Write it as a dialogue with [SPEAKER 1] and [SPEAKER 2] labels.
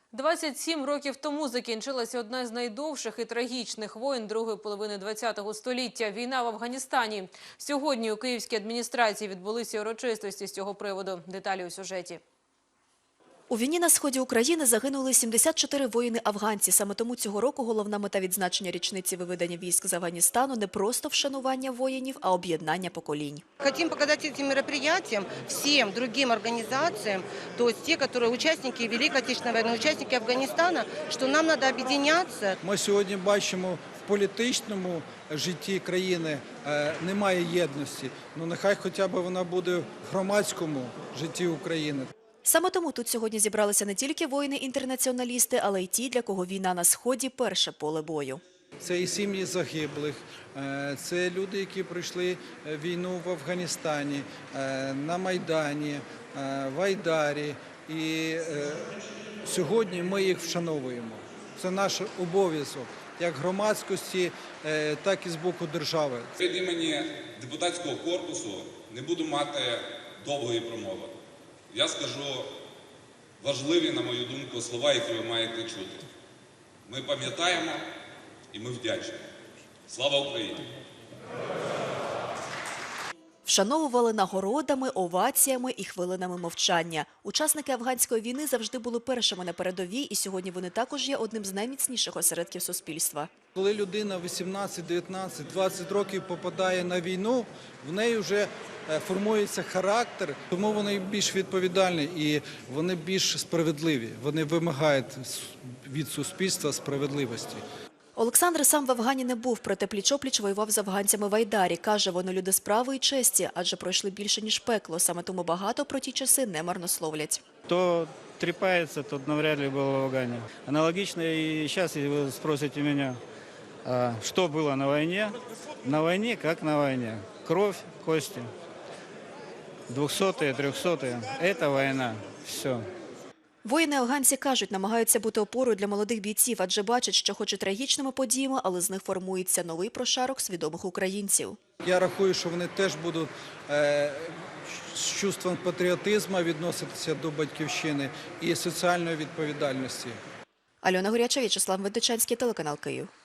[SPEAKER 1] 27 років тому закінчилася одна з найдовших і трагічних воєн другої половини ХХ століття – війна в Афганістані. Сьогодні у київській адміністрації відбулися урочистості з цього приводу. Деталі у сюжеті.
[SPEAKER 2] У війні на сході України загинули 74 воїни-афганці. Саме тому цього року головна мета відзначення річниці виведення військ з Афганістану – не просто вшанування воїнів, а об'єднання поколінь.
[SPEAKER 3] Хотим показать этим мероприятиям всем другим организациям, то есть те, которые участники Великой Отечественной войны, участники Афганистана, что нам надо объединяться.
[SPEAKER 4] Ми сьогодні бачимо, в політичному житті країни немає єдності. Ну нехай хоча б вона буде в громадському житті України.
[SPEAKER 2] Саме тому тут сьогодні зібралися не тільки воїни-інтернаціоналісти, але й ті, для кого війна на сході – перше поле бою.
[SPEAKER 4] Це і сім'ї загиблих, це люди, які пройшли війну в Афганістані, на Майдані, в Айдарі. І сьогодні ми їх вшановуємо. Це наш обов'язок, як громадськості, так і з боку держави.
[SPEAKER 5] Від імені депутатського корпусу не буду мати довгої промови. Я скажу важливі, на мою думку, слова, які ви маєте чути. Ми пам'ятаємо і ми вдячні. Слава Україні!
[SPEAKER 2] Вшановували нагородами, оваціями і хвилинами мовчання. Учасники афганської війни завжди були першими на передовій, і сьогодні вони також є одним з найміцніших осередків суспільства.
[SPEAKER 4] Коли людина 18, 19, 20 років попадає на війну, в неї вже формується характер, тому вони більш відповідальні і вони більш справедливі. Вони вимагають від суспільства справедливості.
[SPEAKER 2] Олександр сам в Афгані не був, проте пліч-опліч воював з афганцями в Айдарі. Каже, вони люди справи і честі, адже пройшли більше, ніж пекло. Саме тому багато про ті часи не марнословлять.
[SPEAKER 6] Кто трепается, тот навряд ли был в Афгане. Аналогично и сейчас, если вы спросите меня, что было на войне как на войне. Кровь, кости. 200-е, 300-е – это война. Все.
[SPEAKER 2] Воїни-афганці кажуть, намагаються бути опорою для молодих бійців, адже бачать, що хоч і трагічними подіями, але з них формується новий прошарок свідомих українців.
[SPEAKER 4] Я рахую, що вони теж будуть з чувством патріотизму відноситися до батьківщини і соціальної відповідальності.
[SPEAKER 2] Альона Горяча, В'ячеслав Медведчанський, телеканал Київ.